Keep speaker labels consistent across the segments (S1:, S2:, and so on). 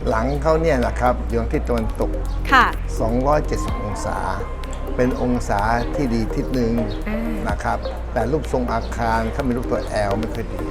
S1: หลังเขาเนี่ยนะครับอยู่ทางทิศตะวันตก
S2: ค่ะ
S1: 270องศาเป็นองศาที่ดีทิศหนึ่งนะครับแต่รูปทรงอาคารเขามีรูปตัวแอลไม่ค่อยดี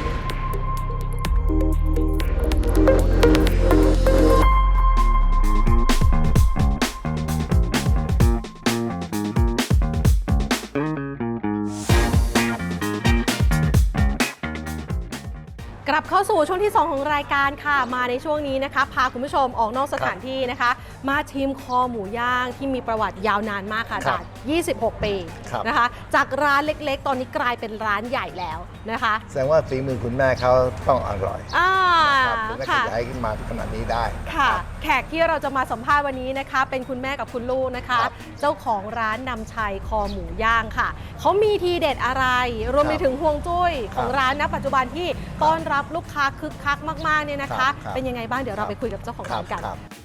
S2: กลับเข้าสู่ช่วงที่ 2 ของรายการค่ะมาในช่วงนี้นะคะพาคุณผู้ชมออกนอกสถานที่นะคะมาชิมคอหมูย่างที่มีประวัติยาวนานมากค่ะจาก26 ปีนะคะจากร้านเล็กๆตอนนี้กลายเป็นร้านใหญ่แล้วนะคะ
S1: แสดงว่าฝีมือคุณแม่เขาต้องอร่อยถึงได้ขยายขึ้นมาขนาดนี้ได้
S2: ค่ะแขกที่เราจะมาสัมภาษณ์วันนี้นะคะเป็นคุณแม่กับคุณลูกนะคะเจ้าของร้านนำชัยคอหมูย่างค่ะเขามีทีเด็ดอะไรรวมไปถึงห่วงจุ้ยของร้านณปัจจุบันที่ต้อนรับลูกค้าคึกคักมากๆเนี่ยนะคะเป็นยังไงบ้างเดี๋ยวเราไปคุยกับเจ้าของร้านกัน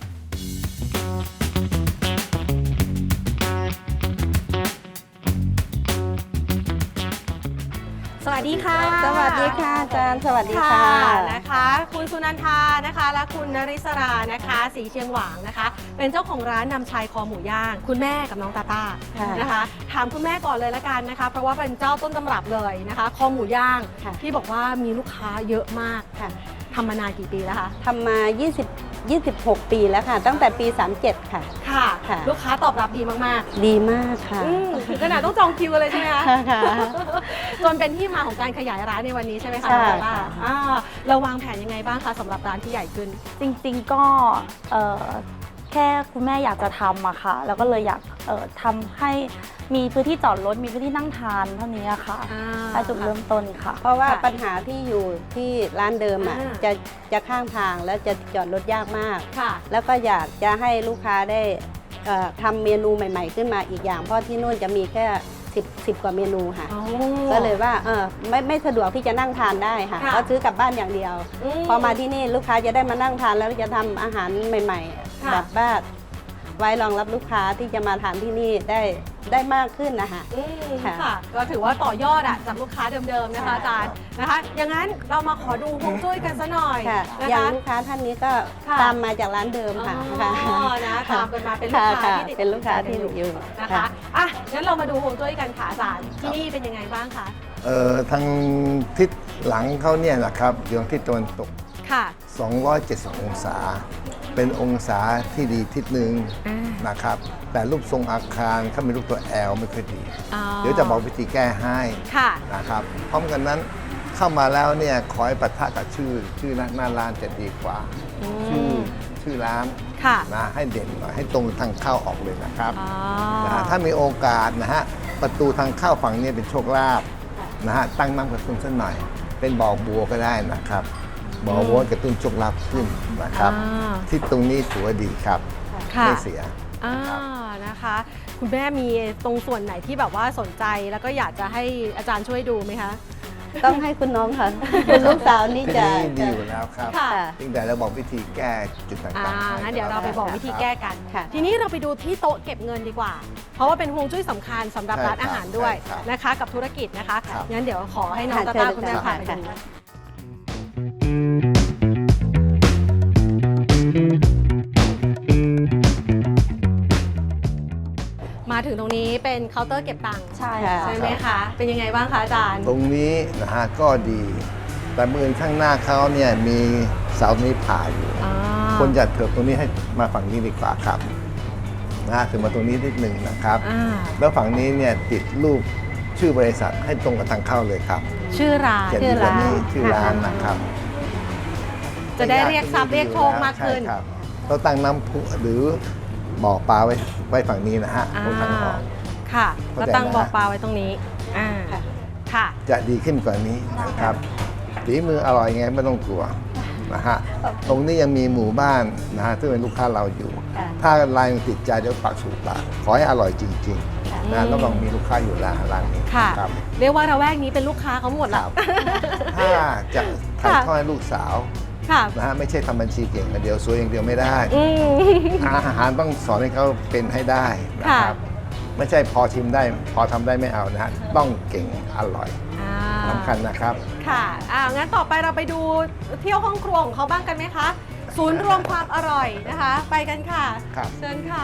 S2: สวัสดีค่ะ
S3: สวัสดีค่ะอาจารย์สวัสดีค่ะ
S2: นะคะคุณสุนันทานะคะและคุณนริศรานะคะสีเชียงหวางนะคะเป็นเจ้าของร้านนำชัยคอหมูย่างคุณแม่กับน้องตาต้านะคะถามคุณแม่ก่อนเลยละกันนะคะเพราะว่าเป็นเจ้าต้นตำรับเลยนะคะคอหมูย่างที่บอกว่ามีลูกค้าเยอะมากทำมานานกี่ปีแล้วคะ
S3: ทำมา26 ปีแล้วค่ะตั้งแต่ปี37ค่ะ
S2: ค่ะลูกค้าตอบรับดีมาก
S3: ๆดีมากค่ะ
S2: ถึงขนาดต้องจองคิวกันเลยใช่ไหมคะจนเป็นที่มาของการขยายร้านในวันนี้ใช่ไหมคะ
S3: ใช่ค่ะ
S2: เราวางแผนยังไงบ้างคะสำหรับร้านที่ใหญ่ขึ้น
S4: จริงๆก็แค่คุณแม่อยากจะทำอะค่ะแล้วก็เลยอยากทำให้มีพื้นที่จอดรถมีพื้นที่นั่งทานเท่านี้ค่ะถ้าจุดเริ่มต้นค่ะ
S3: เพราะว่าปัญหาที่อยู่ที่ร้านเดิมอ่ะจะข้างทางแล้วจะจอดรถยากมากแล้วก็อยากจะให้ลูกค้าได้ทำเมนูใหม่ๆขึ้นมาอีกอย่างเพราะที่นู่นจะมีแค่10 กว่าเมนูค่ะก็เลยว่าไม่สะดวกที่จะนั่งทานได้ค่ะก็ซื้อกลับบ้านอย่างเดียวพอมาที่นี่ลูกค้าจะได้มานั่งทานแล้วจะทำอาหารใหม่ๆแบบบ้านไว้รองรับลูกค้าที่จะมาทานที่นี่ได้มากขึ้นนะคะ
S2: ค่ะก็ถือว่าต่อยอดจากลูกค้าเดิมๆนะคะอาจารย์นะคะอย่างนั้นเรามาขอดูฮวงจุ้ยกันซะหน่อย
S3: อย่างลูกค้าท่านนี้ก็ตามมาจากร้านเดิมค่ะ
S2: นะตามกันมาเป็นลูกค้าที่ติด
S3: เป็นลูกค้าที่อยู่
S2: นะคะงั้นเรามาดูฮวงจุ้ยกันค่ะอาจารย์ที่นี่เป็นยังไงบ้างคะ
S1: ทางทิศหลังเขาเนี่ยนะครับอยู่ทางทิศตะวันตก270องศาเป็นองศาที่ดีทิศหนึ่งนะครับแต่รูปทรงอาคารเขามีรูปตัวแอลไม่ค่อยดีเดี๋ยวจะบอกวิธีแก้ให้นะครับพร้อมกันนั้นเข้ามาแล้วเนี่ยขอให้ปะทะกับชื่อหน้าร้านจะดีกว่าชื่อร้านนะให้เด่นหน่อยให้ตรงทางเข้าออกเลยนะครับถ้ามีโอกาสนะฮะประตูทางเข้าฝั่งนี้เป็นโชคลาภนะฮะตั้งน้ำกระตุ้นสักหน่อยเป็นบ่อบัวก็ได้นะครับบ่อบัวกระตุ้นโชคลาภขึ้นนะครับที่ตรงนี้ถือว่าดีครับไม่เสีย
S2: นะคะคุณแม่มีตรงส่วนไหนที่แบบว่าสนใจแล้วก็อยากจะให้อาจารย์ช่วยดูไหมคะ
S3: ต้องให้คุณน้องค่ะคุณลูกสาวนี่จะ
S1: ดีอยู่แล้วครับจริงแต่เราบอกวิธีแก้จุดต่าง
S2: ๆงั้นเดี๋ยวเราไปบอกวิธีแก้กันทีนี้เราไปดูที่โต๊ะเก็บเงินดีกว่าเพราะว่าเป็นฮวงจุ้ยสำคัญสำหรับร้านอาหารด้วยนะคะกับธุรกิจนะคะงั้นเดี๋ยวขอให้น้องตาต้าคุณแม่พาไปดูมาถึงตรงนี้เป็นเคาน์เตอร์เก็บตังค์ใช่ไหมคะเป็นยังไงบ้างคะอาจารย์
S1: ตรงนี้นะฮะก็ดีแต่มือข้างหน้าเขาเนี่ยมีเสานี้ผ่าอยู่คนจะเถิบตรงนี้ให้มาฝั่งนี้ดีกว่าครับนะฮะถึงมาตรงนี้นิดหนึ่งนะครับแล้วฝั่งนี้เนี่ยติดรูปชื่อบริษัทให้ตรงกับทางเข้าเลยครับ
S2: ชื่อร้าน
S1: ชื่อร้านนะครับ
S2: จะได้เรียกทรัพย์เรียกโชคมากขึ้น
S1: เราตั้งน้ำพุหรือบ่อปลาไว้ฝั่งนี้นะฮะตรงทางออก
S2: ค่ะแล้วตั้งบ่อปลาไว้ตรงนี้ค่ะ
S1: จะดีขึ้นกว่านี้นะครับฝีมืออร่อยไงไม่ต้องกลัวนะฮะตรงนี้ยังมีหมู่บ้านนะฮะซึ่งเป็นลูกค้าเราอยู่ถ้าลายมันติดใจเดี๋ยวปากสู่ปากขอให้อร่อยจริงๆนะแล้วก็มีลูกค้าอยู่ร้านนี้
S2: ครับเรียกว่าระแวกนี้เป็นลูกค้าเขาหมดแล้ว
S1: ถ้าจะถ่ายทอดให้ลูกสาวนะฮะไม่ใช่ทำบัญชีเก่งอย่างเดียวสวยอย่างเดียวไม่ได้อาหารต้องสอนให้เขาเป็นให้ได้นะครับไม่ใช่พอชิมได้พอทำได้ไม่เอานะฮะต้องเก่งอร่อยสำคัญนะครับ
S2: ค่ะงั้นต่อไปเราไปดูเที่ยวห้องครัวของเขาบ้างกันไหมคะศูนย์รวมความอร่อยนะคะ ไปกันค่ะ
S1: ครับ
S2: เชิญค่ะ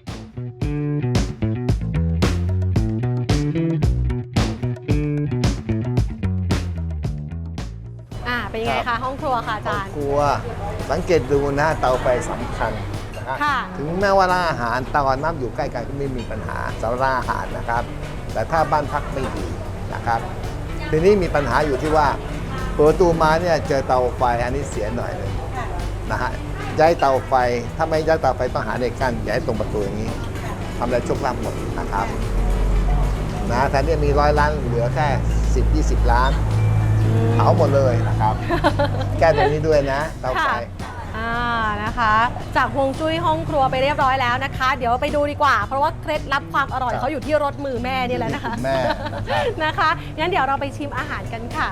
S2: เป็นยังไงคะห้องครัวค่ะอาจารย์
S1: ครัวสังเกตดูนะเตาไฟสำคัญนะครับ
S2: ค่ะ
S1: ถึงแม้ว่าร้านอาหารเตาน้ำอยู่ใกล้กันก็ไม่มีปัญหาสำหรับร้านอาหารนะครับ แต่ถ้าบ้านพักไม่ดีนะครับ ทีนี้มีปัญหาอยู่ที่ว่าเปิดประตูมาเนี่ยเจอเตาไฟอันนี้เสียหน่อยเลยนะฮะย้ายเตาไฟถ้าไม่ย้ายเตาไฟต้องหาในกั้นย้ายตรงประตูอย่างนี้ทำอะไรโชคลาภหมดนะครับนะแทนที่มี100 ล้านเหลือแค่10-20 ล้านเผาหมดเลยนะครับ แก้ตรงนี้ด้วยนะเตาไฟ
S2: นะคะ จากฮวงจุ้ยห้องครัวไปเรียบร้อยแล้วนะคะ เดี๋ยวไปดูดีกว่า เพราะว่าเคล็ดลับความอร่อย
S1: ครับ
S2: เขาอยู่ที่รสมือแม่นี่แหละนะคะ
S1: แม่นะครับ
S2: นะคะงั้นเดี๋ยวเราไปชิมอาหารกันค่ะ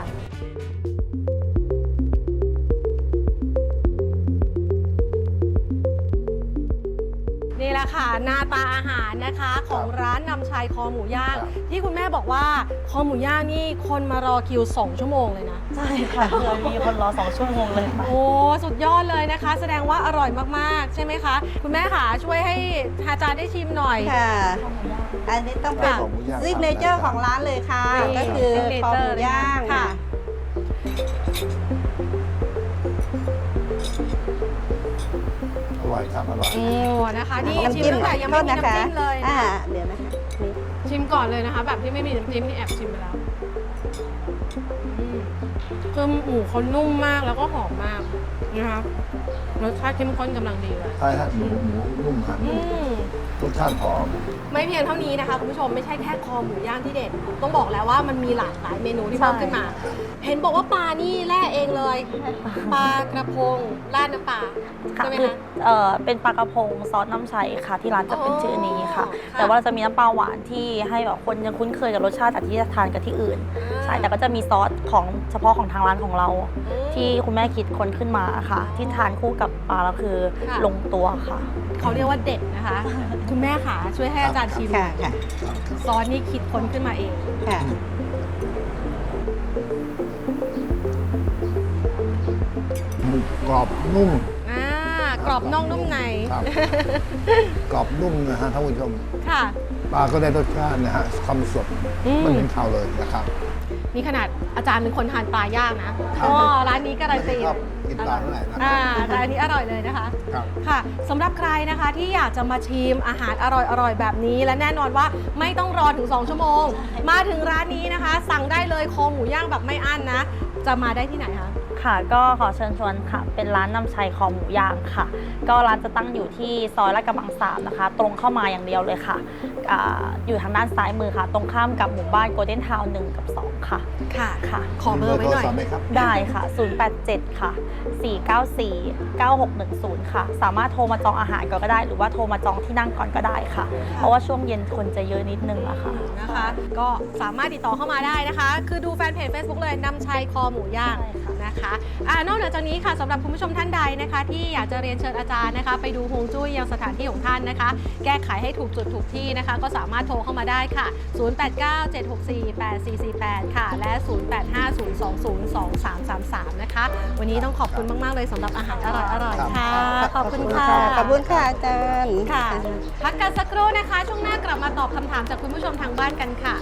S2: นี่แหละค่ะหน้าตาอาหารนะคะของร้านนำชัยคอหมูย่าง
S1: ครับ
S2: ที่คุณแม่บอกว่าคอหมูย่างนี่คนมารอคิว2 ชั่วโมงเลยนะ
S4: ใช่ค่ะเคยมีคนรอ2 ชั่วโมงเลยค่ะ
S2: โอ้สุดยอดเลยนะคะ แสดงว่าอร่อยมากๆ ใช่ไหมคะ คุณแม่ค่ะช่วยให้อาจารย์ได้ชิมหน่อย
S3: ค่ะ อันนี้ต้องเป็น
S1: ของหมูย่าง
S3: ซิกเนเจอร์ของร้านเลยค่ะ
S2: นี่
S3: ก็คือ
S2: signature
S3: คอหมูย่าง
S2: ค่ะ
S1: อร่อยครับอร่อย
S2: โอ้นะคะนี่
S3: น้ำ
S2: ชิม
S3: จิ้ม
S2: ตั้งแต่ยังไม่มี
S3: โทษนะคะ
S2: น้ำจิ้มเลยนะ
S3: เดี๋ยวนะคะนี่
S2: ชิมก่อนเลยนะคะ แบบที่ไม่มีน้ำจิ้มนี่แอบชิมไปแล้วคือหมูเขานุ่มมากแล้วก็หอมมากนะคะรสชาติเข้มข้นกำลังดีเลย
S1: ใช่ฮะหมูนุ่มครับ
S2: อืม
S1: รสชาติหอม
S2: ไม่เพียงเท่านี้นะคะคุณผู้ชมไม่ใช่แค่คอหมูย่างที่เด็ดต้องบอกแล้วว่ามันมีหลากหลายเมนูที่เพิ่มขึ้นมา เห็นบอกว่าปลานี่แล่เองเลยปลากระพงราดน้ำปลา
S4: ค่ะ
S2: ใช่ไหม
S4: คือ
S2: คะ
S4: เป็นปลากระพงซอสน้ำใสค่ะที่ร้านจะเป็นชื่อนี้ค่ะ
S2: ค่ะ
S4: แต่ว่าจะมีน้ำปลาหวานที่ให้แบบคนยังคุ้นเคยกับรสชาติจากที่ทานกับที่อื่นใช่แต่ก็จะมีซอสของเฉพาะของทางร้านของเรา ที่คุณแม่คิดค้นขึ้นมาค่ะ ที่ทานคู่กับปลาแล้วคือลงตัวค่ะ
S2: เขาเรียกว่าเด็ดนะคะ คุณแม่ขาช่วยให้อาจารย์ชิม
S3: ค่ะค่ะ
S2: ซอสนี่คิดค้นขึ้นมาเอง
S3: ค่ะ
S1: หมูกรอบนุ่ม
S2: กรอบนอกนุ่มใน
S1: ครับ กรอบนุ่มนะฮะท่านผู้ชม
S2: ค่ะ
S1: ปลาก็ได้รสชาตินะฮะความสด
S2: อืม
S1: มันเป็นข้าวเลยนะครับ
S2: นี่ขนาดอาจารย์เป็นคนทานปลาย่างนะอ๋อร้านนี้การันตี
S1: ชอบกินปลาเท่าไหร่นะ
S2: ร้านนี้อร่อยเลยนะคะ
S1: ครับ
S2: ค่ะสำหรับใครนะคะที่อยากจะมาชิมอาหารอร่อยๆแบบนี้ และแน่นอนว่าไม่ต้องรอถึง 2 ชั่วโมง มาถึงร้านนี้นะคะ สั่งได้เลยคอหมูย่างแบบไม่อั้นนะ จะมาได้ที่ไหนคะ
S4: ค่ะก็ขอเชิญชวนค่ะ เป็นร้านนำชัยคอหมูย่างค่ะ ก็ร้านจะตั้งอยู่ที่ซอยลาดกระบัง3นะคะ ตรงเข้ามาอย่างเดียวเลยค่ะอยู่ทางด้านซ้ายมือค่ะ ตรงข้ามกับหมู่บ้านโกลเด้นทาวน์1กับ 2 ค่ะ
S2: ค่ะ
S4: ค่ะ
S2: ขอเบอร์ไว้หน่อย
S1: มีเบอร์โทรศัพท์ไหมครับ
S4: ได้ค่ะ 087 ค่ะ 494 9610 ค่ะ สามารถโทรมาจองอาหารก่อนก็ได้ หรือว่าโทรมาจองที่นั่งก่อนก็ได้ค่ะ เพราะว่าช่วงเย็นคนจะเยอะนิดนึงอะค่ะ
S2: นะคะ ก็สามารถติดต่อเข้ามาได้นะคะ คือดูแฟนเพจ Facebook เลยนำชัยคอหมูย่าง
S4: ใช่ค่ะ
S2: นะคะนอกเหนือจากนี้ค่ะสำหรับคุณผู้ชมท่านใดนะคะ ที่อยากจะเรียนเชิญอาจารย์นะคะ ไปดูฮวงจุ้ยยังสถานที่ของท่านนะคะ แก้ไขให้ถูกจุดถูกที่นะคะ ก็สามารถโทรเข้ามาได้ค่ะ 0897648448 ค่ะ และ 0850202333 นะคะ วันนี้ต้องขอบคุณมาก ๆ เลยสำหรับอาหารอร่อย ๆ ค่ะ ขอบคุณค่ะ
S3: ขอบคุณค่ะอาจารย์
S2: ค่ะ พักกันสักครู่นะคะ ช่วงหน้ากลับมาตอบคำถามจากคุณผู้ชมทางบ้านกันค่ะ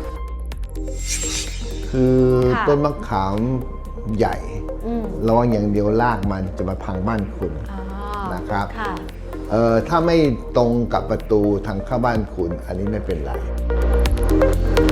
S1: คือ
S2: ค่ะ
S1: ต้นมะขามใหญ่
S2: อืม
S1: ระวังอย่างเดียวรากมันจะมาพังบ้านคุณ
S2: อ๋อ
S1: นะครับ
S2: ค่ะ
S1: ถ้าไม่ตรงกับประตูทางเข้าบ้านคุณ อันนี้ไม่เป็นไร